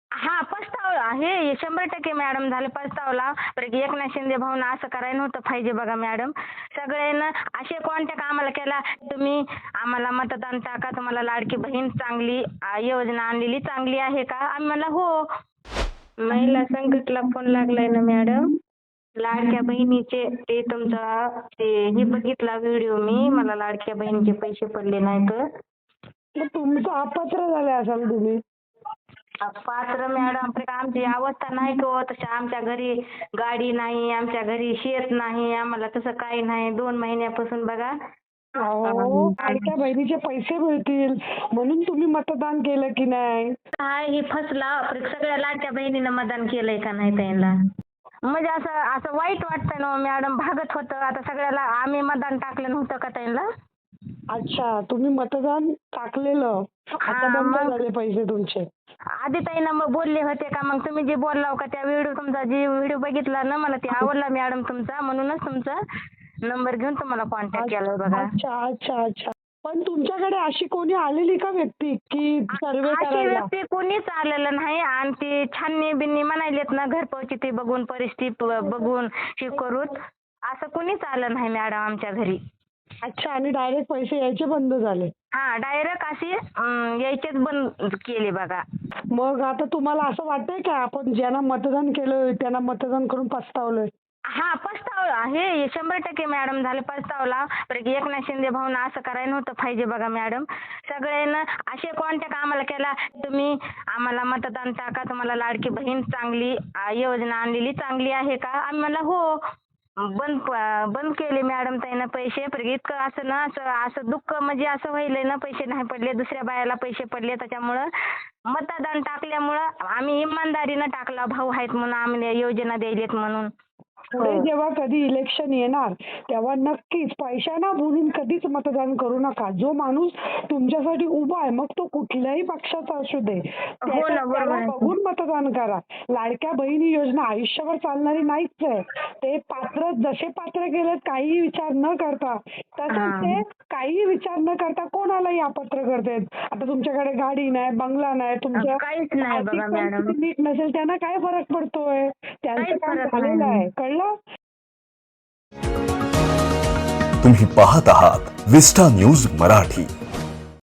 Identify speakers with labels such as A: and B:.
A: हां, पस्तावला. हे 100% मॅडम झालं पस्तावला. बरं की एकनाथ शिंदे भाऊनं असं करायला नव्हतं पाहिजे बघा मॅडम. सगळ्यांना असे कॉन्टॅक्ट आम्हाला केला, तुम्ही आम्हाला मतदान टाका, तुम्हाला लाडकी बहीण चांगली योजना आणलेली चांगली आहे का? आम्ही म्हणलं हो. महिला संकटला फोन लागलाय ना मॅडम. लाडक्या बहिणीचे ते तुमचा हे बघितला व्हिडिओ मी. मला लाडक्या बहिणीचे पैसे पडले नाहीत.
B: मग तुमचं अपात्र झाले असाल तुम्ही.
A: पात्र मॅडम आमची अवस्था नाही हो तशी. आमच्या घरी गाडी नाही, आमच्या घरी शेत नाही, आम्हाला तसं काही नाही. 2 महिन्यापासून बघा.
B: अहो, लाडक्या बहिणीचे पैसे मिळतील म्हणून तुम्ही मतदान केलं की नाही?
A: काय हे फसला. सगळ्या लाडक्या बहिणीनं मतदान केलंय का नाही त्यांना? म्हणजे असं असं वाईट वाटतंय ना मॅडम. भागत होतं. आता सगळ्याला आम्ही मतदान टाकलं नव्हतं का त्यांना?
B: अच्छा, तुम्ही मतदान टाकलेलं, आता बंद झाले पैसे तुमचे.
A: आधी ताईंना मग बोलले होते का? मग तुम्ही जे बोलला का त्या व्हिडिओ तुमचा जे व्हिडिओ बघितला ना मला ते आवडला मॅडम तुमचा, म्हणूनच तुमचा नंबर घेऊन तुम्हाला कॉन्टॅक्ट केलाय बघा.
B: अच्छा अच्छा अच्छा. पण तुमच्याकडे अशी कोणी आलेली का व्यक्ती की सर्वे
A: अशी
B: करायला?
A: व्यक्ती कोणीच आलेलं नाही. आणि ती छाननी बिन्नी म्हणायलेत ना घरपोच ती बघून परिस्थिती बघून हे करून असं कोणीच आलं नाही मॅडम आमच्या घरी.
B: अच्छा, आणि डायरेक्ट पैसे यायचे बंद झाले.
A: हा, डायरेक्ट अशी यायचेच बंद केले बघा.
B: मग आता तुम्हाला असं वाटतंय का आपण ज्यांना मतदान केलं त्यांना मतदान करून पस्तावलोय?
A: हा, पस्तावला. हे 100% मॅडम झालं पस्तावला. बरं की एकनाथ शिंदे भाऊनं असं करायला नव्हतं पाहिजे बघा मॅडम. सगळ्यांना असे कॉन्टॅक्ट आम्हाला केला, तुम्ही आम्हाला मतदान टाका, तुम्हाला लाडकी बहीण चांगली योजना आणलेली चांगली आहे का? आम्ही म्हणलं हो. बंद केले मॅडम त्यानं पैसे. इतकं असं ना असं दुःख म्हणजे असं व्हायलंय ना, पैसे नाही पडले, दुसऱ्या बायाला पैसे पडले. त्याच्यामुळं मतदान टाकल्यामुळं आम्ही इमानदारीनं टाकला. भाऊ आहेत म्हणून आम्ही योजना द्यायलेत म्हणून.
B: पुढे जेव्हा कधी इलेक्शन येणार तेव्हा नक्कीच पैशाना बोलून कधीच मतदान करू नका. जो माणूस तुमच्यासाठी उभा आहे, मग तो कुठल्याही पक्षाचा असू दे, त्याला बघून मतदान करा. लाडक्या बहिणी योजना आयुष्यभर चालणारी नाहीच आहे. ते जसे पात्र केलेत काहीही विचार न करता, तसंच ते काहीही विचार न करता कोणालाही अपात्र करतात. आता तुमच्याकडे गाडी नाही, बंगला नाही, तुमच्या
A: काहीच नाही बघा मॅडम.
B: नीट नसेल त्यांना काय फरक पडतोय? त्यांचं काम झालेलं आहे, कळलं?
C: तुम्ही पाहत आहात विस्टा न्यूज मराठी.